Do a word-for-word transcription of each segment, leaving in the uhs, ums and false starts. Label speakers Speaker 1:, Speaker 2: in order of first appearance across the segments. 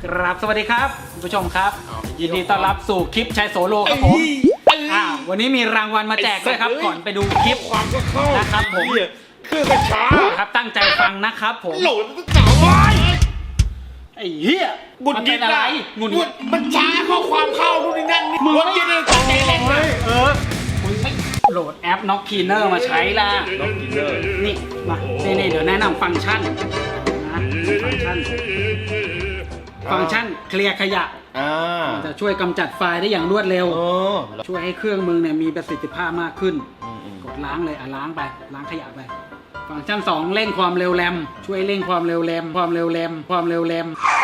Speaker 1: ครับสวัสดีครับคุณผู้ชมครับยินดีต้อนรับสู่คลิปชายโสโลครับผมอ่าวันนี้มีรางวัลมาแจกด้วยครับก่อนไปดูคลิปความก็เข้านะครับผม
Speaker 2: คือกระช้า
Speaker 1: ครับตั้งใจฟังนะครับผม
Speaker 2: โหลดมันจ๋าไว้
Speaker 1: ไอ้เหี้ย
Speaker 2: บุญยินอะไร
Speaker 1: บุญ
Speaker 2: มันช้าข้อความเข้านู่นนี่นั่นนี่บุญยินเลยตั้งใจเล่นเลย
Speaker 1: เออคุณไม่โหลดแอป Knock Cleaner มาใช้ล่ะ
Speaker 2: Knock Cleaner
Speaker 1: นี่มานี่นี่เดี๋ยวแนะนำฟังก์ชันนะฟังก์ชันฟังก์ชันเคลียร์ขยะจะช่วยกำจัดไฟล์ได้อย่างรวดเร็วช่วยให้เครื่องมึงเนี่ยมีประสิทธิภาพมากขึ้นกดล้างเลยอ่ะล้างไปล้างขยะไปฟังก์ชันสองเร่งความเร็วแรมช่วยเร่งความเร็วแรมความเร็วแรมความเร็วแรม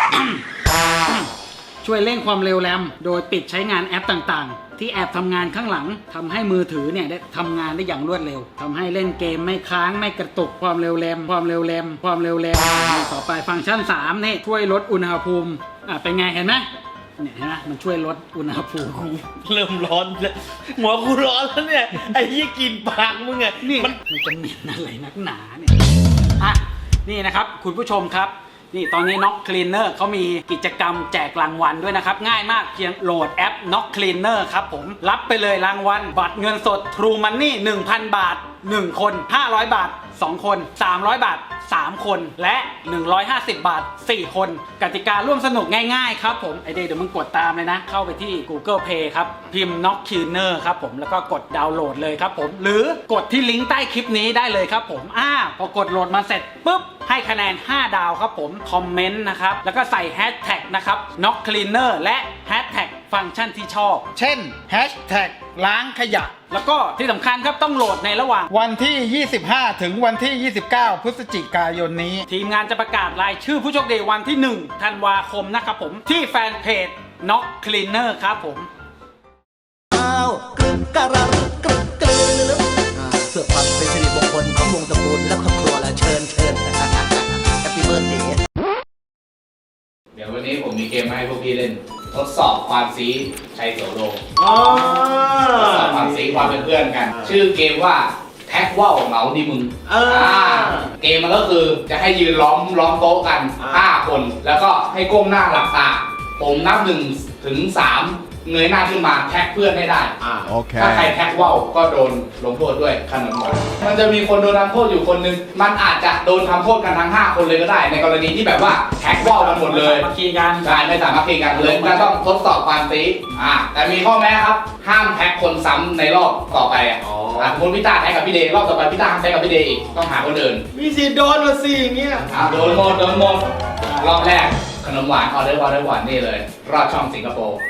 Speaker 1: ช่วยเร่งความเร็วแรมโดยปิดใช้งานแอปต่างๆที่แอบทำงานข้างหลังทำให้มือถือเนี่ยได้ทำงานได้อย่างรวดเร็วทำให้เล่นเกมไม่ค้างไม่กระตุกความเร็วแรมความเร็วแรมความเร็วแรมต่อไปฟังก์ชันสามนี่ช่วยลดอุณหภูมิอ่ะเป็นไงเห็นไหมเนี่ยเห็นไหมมันช่วยลดอุณหภูมิ
Speaker 2: เริ่มร้อนแล้วหัวกูร้อนแล้วเนี่ยไอ้ยี่กินปากมึงไง
Speaker 1: นี่มันมันจะเหม็นอะไรนักหนาเนี่ยอ่ะนี่นะครับคุณผู้ชมครับนี่ตอนนี้ Knock Cleaner เขามีกิจกรรมแจกรางวัลด้วยนะครับง่ายมากเพียงโหลดแอป Knock Cleaner ครับผมรับไปเลยรางวัลบัตรเงินสด True Money หนึ่งพัน บาทหนึ่งคนห้าร้อยบาทสองคนสามร้อยบาทสามคนและหนึ่งร้อยห้าสิบบาทสี่คนกติการ่วมสนุกง่ายๆครับผมไอเดย์เดี๋ยวมึงกดตามเลยนะเข้าไปที่ Google Play ครับพิมพ์ Knock Cleaner ครับผมแล้วก็กดดาวน์โหลดเลยครับผมหรือกดที่ลิงก์ใต้คลิปนี้ได้เลยครับผมอ่าพอกดโหลดมาเสร็จปุ๊บให้คะแนนห้าดาวครับผมคอมเมนต์นะครับแล้วก็ใส่แฮชแท็กนะครับ Knock Cleaner และแฮชแท็กฟังก์ชันที่ชอบเช่นแฮชแท็กล้างขยะแล้วก็ที่สำคัญครับต้องโหลดในระหว่างวันที่ยี่สิบห้าถึงวันที่ยี่สิบเก้าพฤศจิกายนนี้ทีมงานจะประกาศรายชื่อผู้โชคดีวันที่หนึ่งธันวาคมนะครับผมที่แฟนเพจ Knock Cleaner ครับผม
Speaker 3: อ้าวกรึบกระรึบกรึบกรึบเพื่อความเป็นสิริมงคลของวงตระกูลและครอบครัวและเชิญเชิญแฮปปี้เบิร์ธเดย์
Speaker 4: เดี๋ยววันนี้ผมมีเกมมาให้พวกพี่เล่นทดสอบความซีชัยโสโลทดสอบความซีความเป็นเพื่อนกันชื่อเกมว่าแท็กว่าวเหมาดีมึงเกมมันก็คือจะให้ยืนล้อมล้อมโต๊ะกันห้าคนแล้วก็ให้ก้มหน้าหลับตาผมนับหนึ่งถึงสามเงยหน้าขึ้นมาแท็กเพื่อนให้ได้ถ้าใครแท็กว่าวก็โดนลงโทษด้วยขนมหวานมันจะมีคนโดนทำโทษอยู่คนนึงมันอาจจะโดนทำโทษกันทั้งห้าคนเลยก็ได้ในกรณีที่แบบว่าแท็กว่าวกันหมดเลย
Speaker 1: มาคีกัน
Speaker 4: ใช่ไม่สามารถคีกันเลยก็ต้องทดสอบความซีอ่าแต่มีข้อแม้ครับห้ามแท็กคนซ้ำในรอบต่อไปอ่ะสมมติพี่ตาแท็กกับพี่เดย์รอบต่อไปพี่ตาห้ามแท็กกับพี่เดย์อีกต้องหาคนอื่น
Speaker 2: มีสิโดนละสิอย่างเงี้ย
Speaker 4: โดนหมดโดนหมดรอบแรกขนมหวานออเดอร์ออเดอร์หวานนี่เลยรอดช่องสิงคโปร์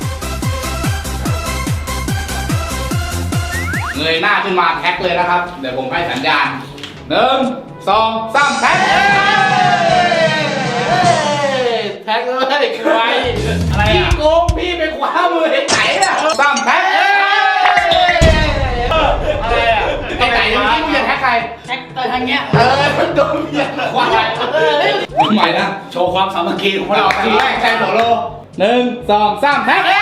Speaker 4: เงยหน้าขึ้นมาแท็กเลยนะครับเดี๋ยวผมให้สัญญาณหนึ่งสองสามแท็กแท็กเลยใครอะไรพี่โกงพี่ไปคว้ามือไอ้ไหนอะสามแท็กอะไรอะไอ้ไหนยังไม่รู้จะแท็กใคร
Speaker 1: แท็กแต่ทางเงี้ย
Speaker 4: เออโดนเบียดคว้าทำไมนะ
Speaker 1: โชว์ความสามัคคีของเรา
Speaker 4: ทีแรกแท็กโหลหนึ่งสองสามแท็ก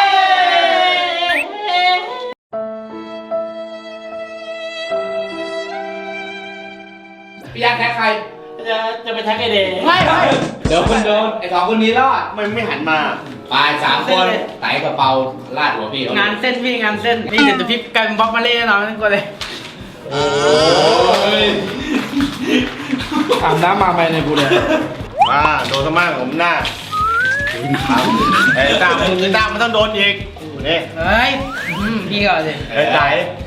Speaker 4: พี่ยักษ์แท็กใคร
Speaker 1: จะจะไปแท็กไอเดย์
Speaker 4: ไม่ไม่เดี๋ยวคุณโดนไอ้สองคนนี้รอด
Speaker 2: มันไม่หันมา
Speaker 4: ไปสามคนไต่กระเป๋าลาดหัวพี่
Speaker 1: งานเส้นพี่งานเส้นนี่เดี๋ยวพี่กลายเป็นบล็อกมาเล่นเราทั้งคนเลย
Speaker 4: โอ้ย
Speaker 2: อาบน้ำมาไหมในกูเลยมาโดนสมั่งผมหน้าไอ้ตามึงตามันต้องโดนอีกนี่
Speaker 1: เฮ้ยพี่ก่อนสิ
Speaker 2: ไอ้ไต่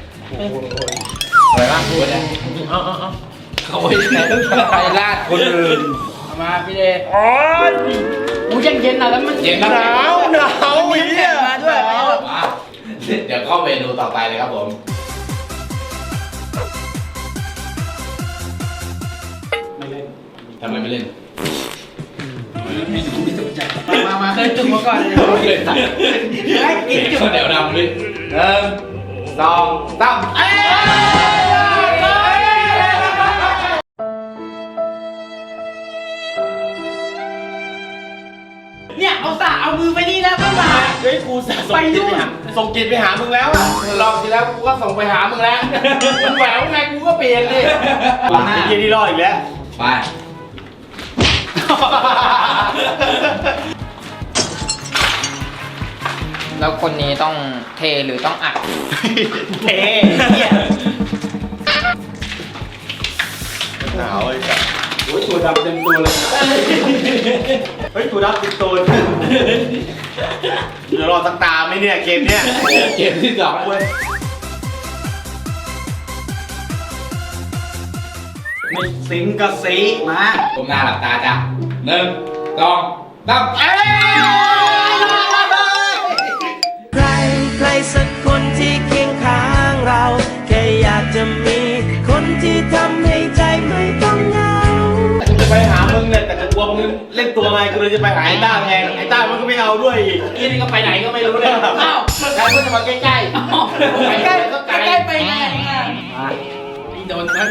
Speaker 2: อะไรบ้างพูดเนี่ย
Speaker 4: เขาไปลาดคนอื่น
Speaker 1: มาพี่เดย์อู้เย็นเย็นนะแล้วมัน
Speaker 4: เย็น
Speaker 2: หนาวหนาวอีก
Speaker 1: มาด้วย
Speaker 4: มาเดี๋ยวเข้าเมนูต่อไปเลยครับผมไม่เล่นทำไมไม่เล่น
Speaker 1: มามาเคยจุกมาก่อนเลย
Speaker 4: เลยตัดเดี๋ยวดำดิหนึ่งสองสาม
Speaker 1: เนี่ยเอาสาเอามือไปนี่แล้วก็มา
Speaker 2: เฮ้ยกูส่งจิตไปหาส่งจิตไปหามึงแล้วอ่ะ
Speaker 4: รอบที่แล้วกูก็ส่งไปหามึงแล้วมึงแหววไงกูก็เปลี่ยนเลย
Speaker 2: ไอ้เหี้ยนี่รอดอีกแล้ว
Speaker 4: ไป
Speaker 5: แล้วคนนี้ต้องเทหรือต้องอัด
Speaker 2: เท่เนี่ยหนาวไอ้สัส
Speaker 1: โอ้ยตัวดำเต็มตัวเลย
Speaker 2: เฮ้ยกูรับติดตัวเดี๋ยวรอสักตาไหมเนี่ยเกมเนี้ย
Speaker 4: เกมที่สองเว้ย
Speaker 1: ไม่สิงกะสีมา
Speaker 4: ผมหน้าหลับตาจ้ะหนึ่งสองสามเอ้ย
Speaker 3: ใครใครสักคนที่เคียงข้างเรา แค่อยากจะมีคนที่ทำให้ใจไม่ต้องเหงา
Speaker 2: กูจะไปหามึงเนี่ยแต่กูกลัวมึงเล่นตัวไงกูเลยจะไปหาไอ้ต้าแทนไอ้ต้ามันก็ไม่เอาด้วยอีก
Speaker 1: อีนี่ก็ไปไหนก็ไม่รู้เลยอ้าว
Speaker 2: ใครก็จะมาใกล้ๆ
Speaker 1: ไปใกล้ก็ไกลใกล้ไปไงนี่โดนทั้ง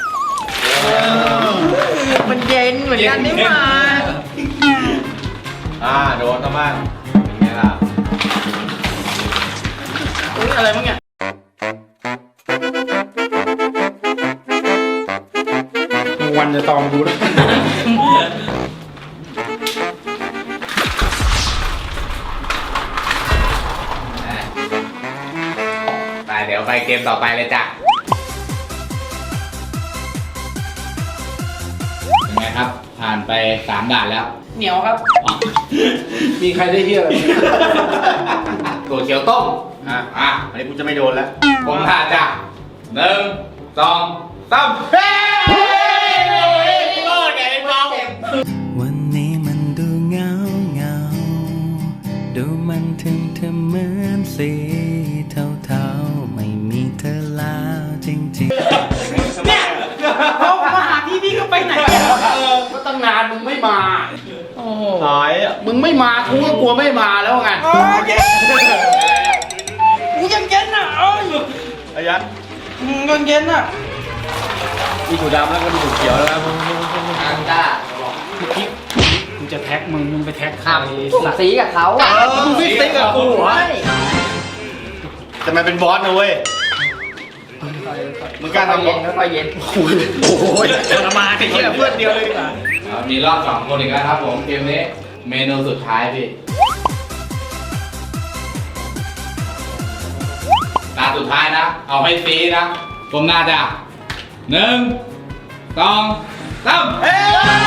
Speaker 5: มันเย็นเหมือนกันนี่หว่า
Speaker 2: อ่าโดนต้องบ้างเป็นไงล่ะ
Speaker 1: อุ้ยอะไรมั้งเนี่ย
Speaker 2: วันจะตอมดูนะ
Speaker 4: ไปเดี๋ยวไปเกมต่อไปเลยจ้ะเป็นไงครับ ผ่านไปสามด่านแล้ว
Speaker 1: เหนียวครับ
Speaker 4: มีใครได้เที่ยวตัวเขียวต้ม
Speaker 2: อ่ะ
Speaker 4: อ่ะ
Speaker 2: อันนี้กูจะไม่โดนแล้ว
Speaker 4: ผมท่าจ้ะหนึ่งสองสามเฮ้ยโอ้ยไงเมา
Speaker 3: วันนี้มันดูเหงาเหงาดูมันถึงเธอเหมือนสีเทาๆไม่มีเธอแล้วจริงๆ
Speaker 1: เนี่ยเขามาหาที่นี่ก็ไปไหนเนี่ย
Speaker 4: ก็ตั้งนานมึงไม่มา
Speaker 1: โอ้โห
Speaker 2: หายอ่ะ
Speaker 4: มึงไม่มากูก็กลัวไม่มาแล้วไง
Speaker 1: เออเย็นกูยังเย็นอ่ะเอ้ย
Speaker 2: อายัด
Speaker 1: อืมยังเย็นอ่ะ
Speaker 2: มีถั่วดำแล้วก็มีถั่วเขียวแล้วนะ
Speaker 5: อันต้า
Speaker 1: พี่กูจะแท็กมึงมึงไปแท็กใคร
Speaker 5: ขับสุ่มสีกับเขาอ่ะ
Speaker 2: มึงฟิตติ้งกับกูเหรอ
Speaker 5: ใช่
Speaker 2: จะมาเป็นบอสนะเว้ยมึงกล้า
Speaker 5: ค่อย
Speaker 2: ทำ
Speaker 5: เย็นค่อยเย็น
Speaker 2: โอ้โหทรมานไอ้เหี้ยเพื่อนเดียวเลยดีกว่า
Speaker 4: อ่ามีรอบสองคนอีกแล้วครับผมเกมนี้เมนูสุดท้ายพี่ตาสุดท้ายนะ เอาให้ฟรีนะผมน่าจะหนึ่งสองสามเฮ้ย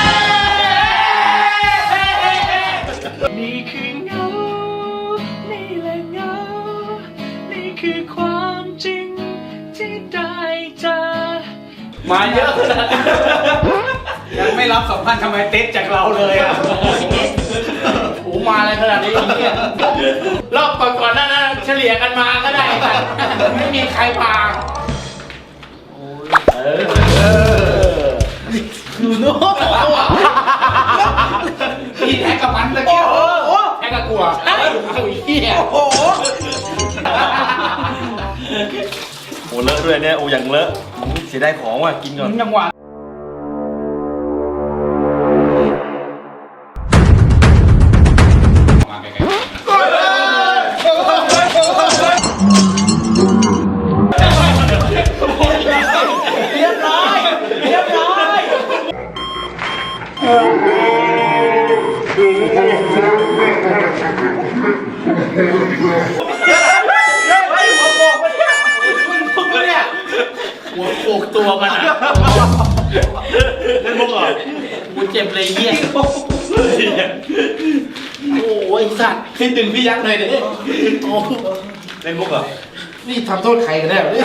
Speaker 6: นี่คือเงา นี่แหละเงา นี่คือความจริงที่ได้เจอ
Speaker 1: มาเยอะขนาดนั้นยังไม่รับสัมพันธ์ทำไมเต็ดจากเราเลยอ่ะ
Speaker 4: โอ้มาอะไรขนาดนี้เนี่ยรอบก่อนๆนั่นนะเฉลี่ยกันมาก็ได้แต่ไม่มีใครมาอยู่โน้นพี่แท็กกับมันตะเกียบแท็กกับกลัวไอ้เหี้ย
Speaker 1: โอ้โห
Speaker 2: โอ้เลอะด้วยเนี่ยโอ้อย่างเลอะเสียดายของว่ะกินก่อน
Speaker 1: จังหวะ
Speaker 4: มาใกล้ๆ
Speaker 1: เรียบร้อยเรียบร้อย
Speaker 4: หัวโขกตัวมันอ่ะ
Speaker 2: เล่นมุกเหรอ
Speaker 4: กูเจ็บเลยเหี้ยโอ้ยสัตว์คิดถึงพี่ยักษ์เลยเนี่ยโอ้
Speaker 2: เล่นมุกเหรอ
Speaker 4: นี่ทำโทษใครกันแน่เนี่ย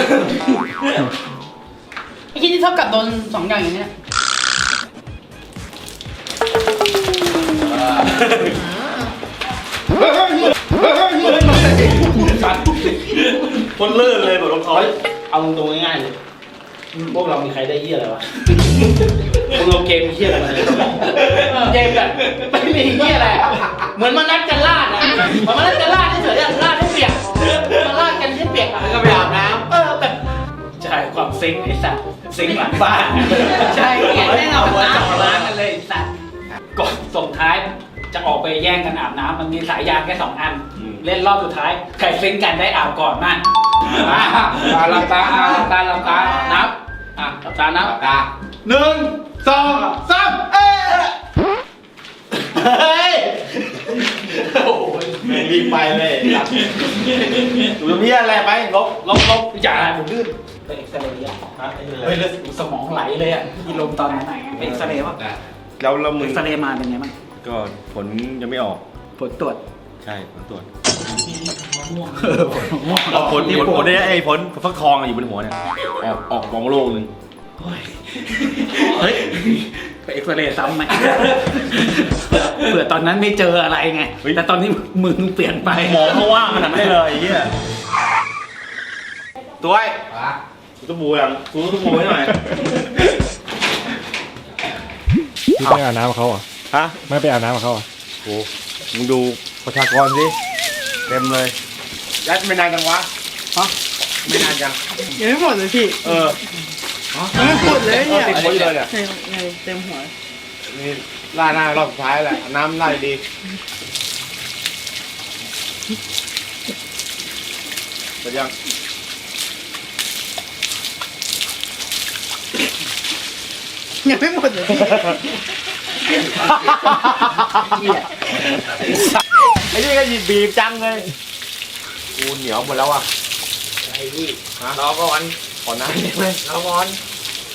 Speaker 1: ไอ้ที่นี่เท่ากับโดนสองอย่างอย่างเนี้ย
Speaker 2: คนเลื่อนเลยแบบรองเท้า
Speaker 4: เอาตรงๆง่ายๆเลยพวกเรามีใครได้เหี้ยอะไรวะพวกเราเกมเหี้ยอะไรมาเนี่ยเกมแบบไม่มีเหี้ยอะไรเหมือนมานัดกันลาดอะเหมือนมานัดกันลาดเฉยๆลาดให้เปียกมาลาดกันให้เปียกแล้วก็ไปอาบน้ำเออแบบ
Speaker 1: ใช่ความซิงค์ไอ้สัตว์ซิงค์หลังบ้านใช่ไงแน่นอนหัวจ่อร้านกันเลยไอ้สัตว์ก่อนส่งท้ายจะออกไปแย่งกันอาบน้ำมันมีสายยางแค่สองอัน เล่นรอบสุดท้ายใครซิงค์กันได้อาบก่อนนั่น
Speaker 4: มาหลับตาหลับตาหลับตานับอ่ะหลับตานับหลับตาหนึ่งสองสามเอ๊ะ
Speaker 2: ไปเลยดูตรงนี้อะไรไปลบลบลบ
Speaker 1: อย่าผมลื่นไปเอ็กซเรย์อ่ะเฮ้ยเลือดสมองไหลเลยอ่ะที่ลมตอนนั้นไปเอ็กซเรย์ป่ะ
Speaker 2: แล้วแล้วมึ
Speaker 1: เอ็
Speaker 2: ง
Speaker 1: กซเรย์มาเป็นไงบ้าง
Speaker 2: ก็ผลยังไม่ออก
Speaker 1: ผลตรวจ
Speaker 2: ใช่ผลตรวจ
Speaker 1: เออผลม่วง
Speaker 2: เอาผลผลผลเนี่ยไอ้ผลฟักทองอยู่บนหัวเนี่ยออกออกมองโลกหนึ่ง
Speaker 1: เฮ้ยไปเอ็กซเรย์ซ้ำไหมเผื่อตอนนั้นไม่เจออะไรไงแต่ตอนนี้มึงเปลี่ยนไป
Speaker 2: หมอเขาว่างขนาดนั้นเลยไอ้เหี้ยตัวไอ้
Speaker 4: อ่ะ
Speaker 2: กูต้องบูยังกูต้องบูให้หน่อย
Speaker 7: พี่ไปอาบน้ำกับเขาเหรอ
Speaker 2: ฮะ
Speaker 7: ไม่ไปอาบน้ำกับเขาเหรอ
Speaker 2: โอ้มึงดูประชากรสิเต็มเลยยัดไม่นานจังวะฮะไม่นานจัง
Speaker 6: ยังไม่หมดเลยพี่
Speaker 2: เออ
Speaker 6: ยังไม่หมดเลยเนี่ย
Speaker 2: ติดหัวอยู่เลยเนี่ย
Speaker 6: ในในเต็มหัว
Speaker 2: นี่ล่าหน้ารอบสุดท้ายแหละน้ำล่าดีไปยัง
Speaker 6: ยังไม่หมดเลยพี่
Speaker 2: ไอ้นี่ก็หยิบบีบจังเลยกูเหนียวหมดแล้วอ่ะไอ้นี่รอก่อนขอน้ำได้ไหมรอก่อน